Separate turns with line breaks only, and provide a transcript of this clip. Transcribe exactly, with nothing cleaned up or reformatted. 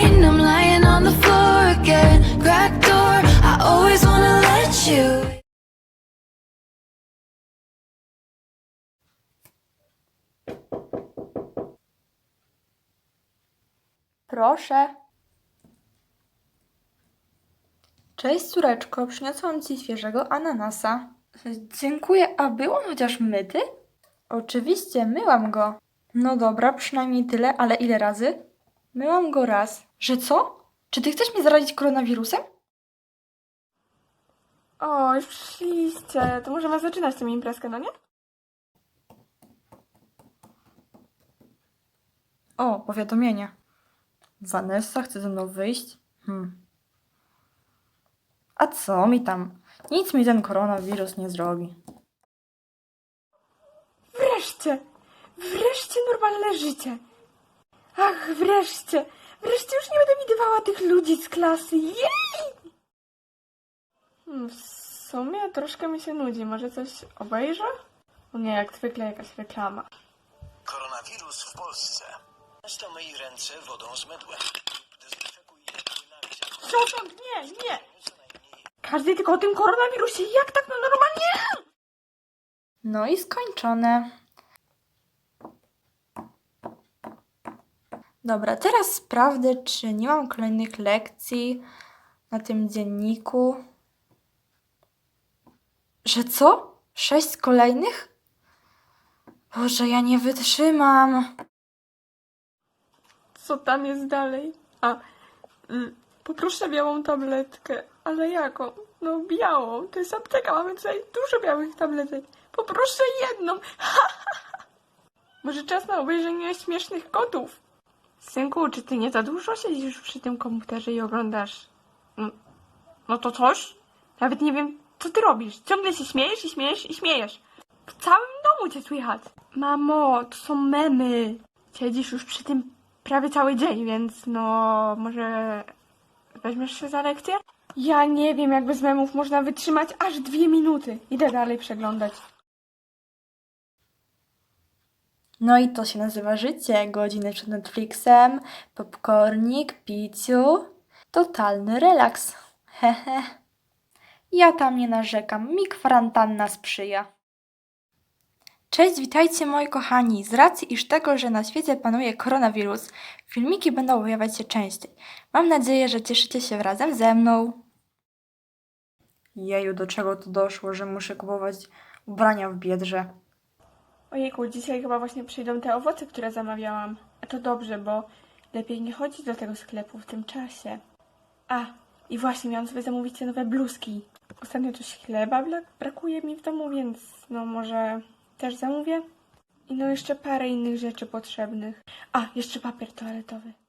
brain, I'm lying on the floor again. Cracked door, I always wanna let you.
Proszę. Cześć, córeczko, przyniosłam ci świeżego ananasa. Dziękuję, a był on chociaż myty? Oczywiście, myłam go. No dobra, przynajmniej tyle, ale ile razy? Myłam go raz. Że co? Czy ty chcesz mnie zarazić koronawirusem?
O, już przyszliście. To możemy zaczynać tę imprezkę, no nie?
O, powiadomienie. Vanessa chce ze mną wyjść? Hmm. A co mi tam? Nic mi ten koronawirus nie zrobi.
Wreszcie! Wreszcie normalne życie! Ach, wreszcie! Wreszcie już nie będę widywała tych ludzi z klasy. Jej! Hmm, w sumie troszkę mi się nudzi. Może coś obejrzę? O nie, jak zwykle jakaś reklama.
Koronawirus w Polsce. Często myj ręce wodą z mydłem. Dezynfekuj je płynami z
Przepraszam, nie, nie! Każdy tylko o tym koronawirusie. Jak tak no normalnie?
No i skończone. Dobra, teraz sprawdzę, czy nie mam kolejnych lekcji na tym dzienniku. Że co? Sześć kolejnych? Boże, ja nie wytrzymam.
Co tam jest dalej? A, y, poproszę białą tabletkę. Ale jaką? No białą. To jest apteka, mamy tutaj dużo białych tabletek. Poproszę jedną. Może czas na obejrzenie śmiesznych kotów? Synku, czy ty nie za dużo siedzisz przy tym komputerze i oglądasz? No, no to coś? Nawet nie wiem, co ty robisz. Ciągle się śmiejesz i śmiejesz i śmiejesz. W całym domu cię słychać. Mamo, to są memy. Siedzisz już przy tym prawie cały dzień, więc no może weźmiesz się za lekcję? Ja nie wiem, jak bez memów można wytrzymać aż dwie minuty. Idę dalej przeglądać.
No i to się nazywa życie. Godziny przed Netflixem, popcornik, piciu. Totalny relaks. Hehe. Ja tam nie narzekam. Mi kwarantanna sprzyja. Cześć, witajcie moi kochani. Z racji iż tego, że na świecie panuje koronawirus, filmiki będą pojawiać się częściej. Mam nadzieję, że cieszycie się razem ze mną. Jeju, do czego to doszło, że muszę kupować ubrania w Biedrze.
Ojejku, dzisiaj chyba właśnie przyjdą te owoce, które zamawiałam. A to dobrze, bo lepiej nie chodzić do tego sklepu w tym czasie. A, i właśnie miałam sobie zamówić te nowe bluzki. Ostatnio coś chleba bla- brakuje mi w domu, więc no może też zamówię. I no jeszcze parę innych rzeczy potrzebnych. A, jeszcze papier toaletowy.